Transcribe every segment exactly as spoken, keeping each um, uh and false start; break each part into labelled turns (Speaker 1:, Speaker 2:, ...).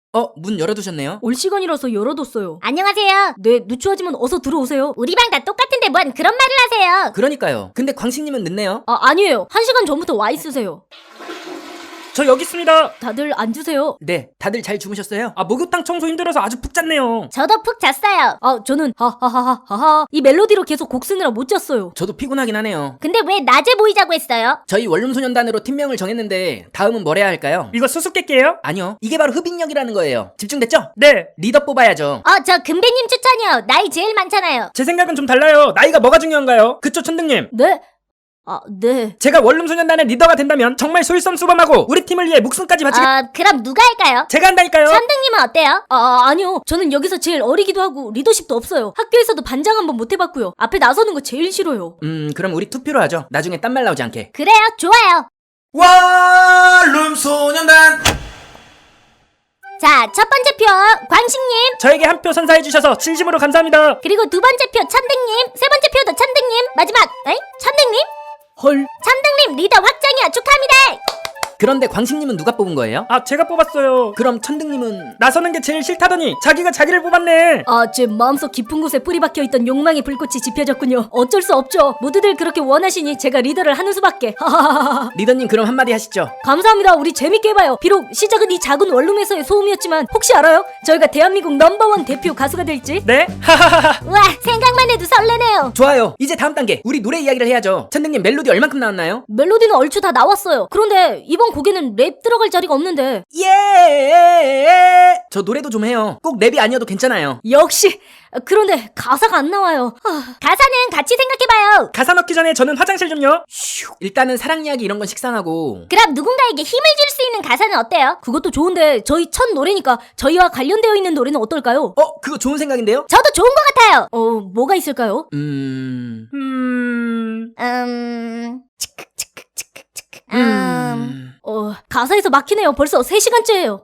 Speaker 1: 어, 문 열어두셨네요?
Speaker 2: 올 시간이라서 열어뒀어요.
Speaker 3: 안녕하세요.
Speaker 2: 네, 누추하지만 어서 들어오세요.
Speaker 3: 우리 방 다 똑같은데 뭔 그런 말을 하세요.
Speaker 1: 그러니까요. 근데 광식님은 늦네요.
Speaker 2: 아, 아니에요. 한 시간 전부터 와 있으세요.
Speaker 4: 저 여기 있습니다.
Speaker 2: 다들 앉으세요.
Speaker 1: 네, 다들 잘 주무셨어요?
Speaker 4: 아, 목욕탕 청소 힘들어서 아주 푹 잤네요.
Speaker 3: 저도 푹 잤어요.
Speaker 2: 아, 저는 하하하하하 이 멜로디로 계속 곡 쓰느라 못 잤어요.
Speaker 1: 저도 피곤하긴 하네요.
Speaker 3: 근데 왜 낮에 모이자고 했어요?
Speaker 1: 저희 원룸소년단으로 팀명을 정했는데 다음은 뭘 해야 할까요?
Speaker 4: 이거 수수께끼예요?
Speaker 1: 아니요, 이게 바로 흡인력이라는 거예요. 집중됐죠?
Speaker 4: 네.
Speaker 1: 리더 뽑아야죠.
Speaker 3: 어, 저 금배님 추천이요. 나이 제일 많잖아요.
Speaker 4: 제 생각은 좀 달라요. 나이가 뭐가 중요한가요? 그쵸, 천등님?
Speaker 2: 네? 아, 네.
Speaker 4: 제가 원룸소년단의 리더가 된다면 정말 솔선수범하고 우리 팀을 위해 목숨까지 바치겠...
Speaker 3: 어, 그럼 누가 할까요?
Speaker 4: 제가 한다니까요.
Speaker 3: 천등님은 어때요?
Speaker 2: 아, 아니요. 저는 여기서 제일 어리기도 하고 리더십도 없어요. 학교에서도 반장 한번 못 해봤고요. 앞에 나서는 거 제일 싫어요.
Speaker 1: 음, 그럼 우리 투표로 하죠. 나중에 딴 말 나오지 않게.
Speaker 3: 그래요, 좋아요.
Speaker 1: 원룸소년단!
Speaker 3: 자, 첫 번째 표 광식님,
Speaker 4: 저에게 한 표 선사해주셔서 진심으로 감사합니다.
Speaker 3: 그리고 두 번째 표 천등님, 세 번째 표도 천등님, 마지막 에이? 천등님?
Speaker 2: 헐.
Speaker 3: 천등님 리더 확정이야. 축하합니다.
Speaker 1: 그런데 광식님은 누가 뽑은 거예요?
Speaker 4: 아, 제가 뽑았어요.
Speaker 1: 그럼 천등님은...
Speaker 4: 나서는 게 제일 싫다더니 자기가 자기를 뽑았네.
Speaker 2: 아, 제 마음속 깊은 곳에 뿌리 박혀있던 욕망의 불꽃이 지펴졌군요. 어쩔 수 없죠. 모두들 그렇게 원하시니 제가 리더를 하는 수밖에. 하하하하.
Speaker 1: 리더님 그럼 한마디 하시죠.
Speaker 2: 감사합니다. 우리 재밌게 해봐요. 비록 시작은 이 작은 원룸에서의 소음이었지만 혹시 알아요? 저희가 대한민국 넘버원 대표 가수가 될지?
Speaker 4: 네? 하하하하.
Speaker 3: 우와, 생각만 해도 설레네요.
Speaker 1: 좋아요. 이제 다음 단계. 우리 노래 이야기를 해야죠. 천등님 멜로디 얼만큼 나왔나요?
Speaker 2: 멜로디는 얼추 다 나왔어요. 그런데 이번 곡에는 랩 들어갈 자리가 없는데.
Speaker 1: 예! 저 노래도 좀 해요. 꼭 랩이 아니어도 괜찮아요.
Speaker 2: 역시. 그런데 가사가 안 나와요. 아,
Speaker 3: 가사는 같이 생각해봐요.
Speaker 4: 가사 넣기 전에 저는 화장실 좀요.
Speaker 1: 휴, 일단은 사랑 이야기 이런 건 식상하고.
Speaker 3: 그럼 누군가에게 힘을 줄 수 있는 가사는 어때요?
Speaker 2: 그것도 좋은데 저희 첫 노래니까 저희와 관련되어 있는 노래는 어떨까요?
Speaker 1: 어, 그거 좋은 생각인데요?
Speaker 3: 저도 좋은 것 같아요.
Speaker 2: 어, 뭐가 있을까요?
Speaker 1: 음...
Speaker 4: 음...
Speaker 3: 음... 치크 치크 치크 치크 음...
Speaker 1: 음...
Speaker 2: 어, 가사에서 막히네요. 벌써 세 시간째예요.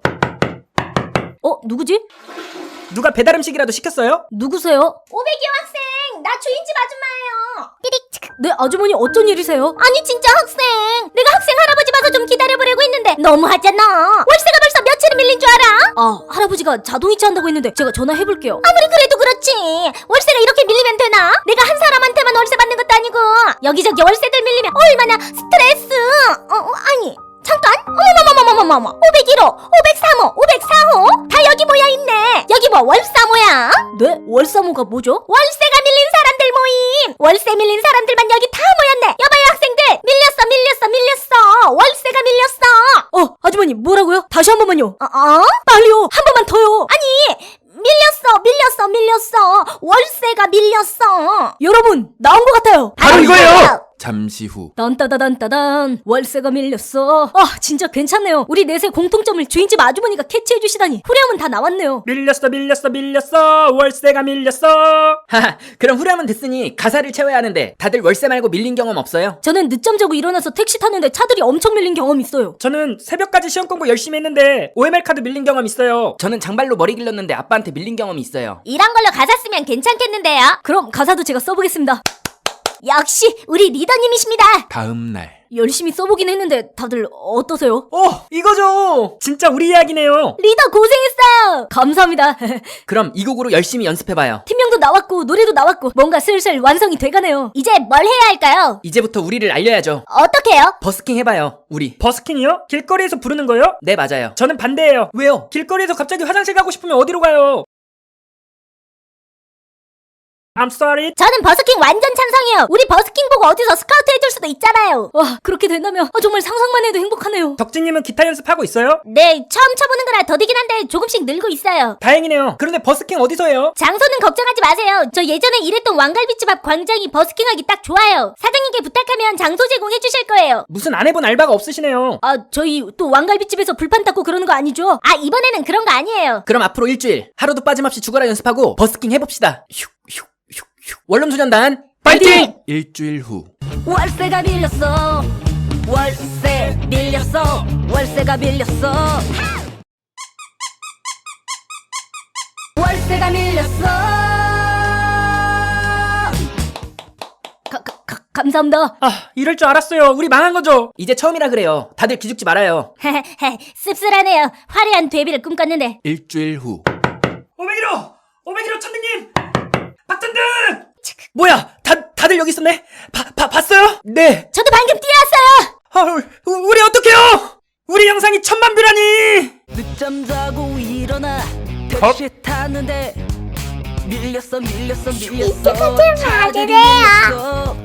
Speaker 2: 어, 누구지?
Speaker 4: 누가 배달 음식이라도 시켰어요?
Speaker 2: 누구세요?
Speaker 3: 오백이 학생, 나 주인집 아줌마예요. 띠릭 치크.
Speaker 2: 네, 아주머니 어쩐 일이세요?
Speaker 3: 아니 진짜 학생, 내가 학생 할아버지 봐서 좀 기다려보려고 했는데 너무하잖아. 월세가 벌써 며칠이 밀린 줄 알아?
Speaker 2: 아, 할아버지가 자동이체 한다고 했는데 제가 전화해볼게요.
Speaker 3: 아무리 그래도 그렇지, 월세가 이렇게 밀리면 되나? 내가 한 사람한테만 월세 받는 것도 아니고 여기저기 월세들 밀리면 얼마나 스트레스. 어, 어 아니 잠깐, 어머머머머머머머, 오백일 호, 오백삼 호, 오백사 호 다 여기 모여있네. 여기 뭐 월사모야?
Speaker 2: 네? 월사모가 뭐죠?
Speaker 3: 월세가 밀린 사람들 모임. 월세 밀린 사람들만 여기 다 모였네. 여봐요 학생들, 밀렸어 밀렸어 밀렸어. 월세가 밀렸어.
Speaker 2: 어, 아주머니 뭐라고요? 다시 한 번만요.
Speaker 3: 어? 어?
Speaker 2: 빨리요. 한 번만 더요.
Speaker 3: 아니 밀렸어 밀렸어 밀렸어. 월세가 밀렸어.
Speaker 2: 여러분, 나온 것 같아요.
Speaker 4: 바로 이거예요.
Speaker 1: 잠시 후.
Speaker 2: 딴따다단따단, 월세가 밀렸어. 아, 진짜 괜찮네요. 우리 넷의 공통점을 주인집 아주머니가 캐치해주시다니. 후렴은 다 나왔네요.
Speaker 4: 밀렸어 밀렸어 밀렸어. 월세가 밀렸어.
Speaker 1: 하하, 그럼 후렴은 됐으니 가사를 채워야 하는데 다들 월세 말고 밀린 경험 없어요?
Speaker 2: 저는 늦잠 자고 일어나서 택시 탔는데 차들이 엄청 밀린 경험 있어요.
Speaker 4: 저는 새벽까지 시험 공부 열심히 했는데 오엠엘 카드 밀린 경험 있어요.
Speaker 1: 저는 장발로 머리 길렀는데 아빠한테 밀린 경험이 있어요.
Speaker 3: 이런 걸로 가사 쓰면 괜찮겠는데요?
Speaker 2: 그럼 가사도 제가 써보겠습니다.
Speaker 3: 역시 우리 리더님이십니다.
Speaker 1: 다음 날.
Speaker 2: 열심히 써보긴 했는데 다들 어떠세요?
Speaker 4: 어, 이거죠. 진짜 우리 이야기네요.
Speaker 2: 리더 고생했어요. 감사합니다.
Speaker 1: 그럼 이 곡으로 열심히 연습해봐요.
Speaker 2: 팀명도 나왔고 노래도 나왔고 뭔가 슬슬 완성이 돼가네요.
Speaker 3: 이제 뭘 해야 할까요?
Speaker 1: 이제부터 우리를 알려야죠.
Speaker 3: 어떻게요?
Speaker 1: 버스킹 해봐요, 우리.
Speaker 4: 버스킹이요? 길거리에서 부르는 거요?
Speaker 1: 네, 맞아요.
Speaker 4: 저는 반대예요.
Speaker 1: 왜요?
Speaker 4: 길거리에서 갑자기 화장실 가고 싶으면 어디로 가요? I'm sorry.
Speaker 3: 저는 버스킹 완전 찬성이에요. 우리 버스킹 보고 어디서 스카우트 해줄 수도 있잖아요.
Speaker 2: 와, 그렇게 된다면 아, 정말 상상만 해도 행복하네요.
Speaker 4: 덕진님은 기타 연습하고 있어요?
Speaker 3: 네, 처음 쳐보는 거라 더디긴 한데 조금씩 늘고 있어요.
Speaker 4: 다행이네요. 그런데 버스킹 어디서 해요?
Speaker 3: 장소는 걱정하지 마세요. 저 예전에 일했던 왕갈비집 앞 광장이 버스킹하기 딱 좋아요. 사장님께 부탁하면 장소 제공해 주실 거예요.
Speaker 4: 무슨 안 해본 알바가 없으시네요.
Speaker 2: 아, 저희 또 왕갈비집에서 불판 닦고 그러는 거 아니죠?
Speaker 3: 아, 이번에는 그런 거 아니에요.
Speaker 1: 그럼 앞으로 일주일 하루도 빠짐없이 죽어라 연습하고 버스킹 해봅시다. 휴, 휴, 휴, 휴. 원룸소년단
Speaker 4: 파이팅!
Speaker 1: 일주일 후.
Speaker 2: 월세가 밀렸어. 월세 밀렸어. 월세가 밀렸어. 월세가 밀렸어. 가, 가, 가, 감사합니다.
Speaker 4: 아, 이럴 줄 알았어요. 우리 망한 거죠.
Speaker 1: 이제 처음이라 그래요. 다들 기죽지 말아요.
Speaker 3: 씁쓸하네요. 화려한 데뷔를 꿈꿨는데.
Speaker 1: 일주일 후.
Speaker 4: 오백일 호! 오백일 호 천장님! 박전등!
Speaker 1: 뭐야? 다 다들 여기 있었네. 바, 바 봤어요? 네.
Speaker 3: 저도 방금 뛰어왔어요.
Speaker 1: 아, 우- 우리 어떡해요?
Speaker 4: 우리 영상이 천만 뷰라니!
Speaker 5: 늦잠 자고 일어나 택시 탔는데 밀렸어 밀렸어 밀렸어
Speaker 3: 이제 같은 말을 해요.
Speaker 5: 밀렸어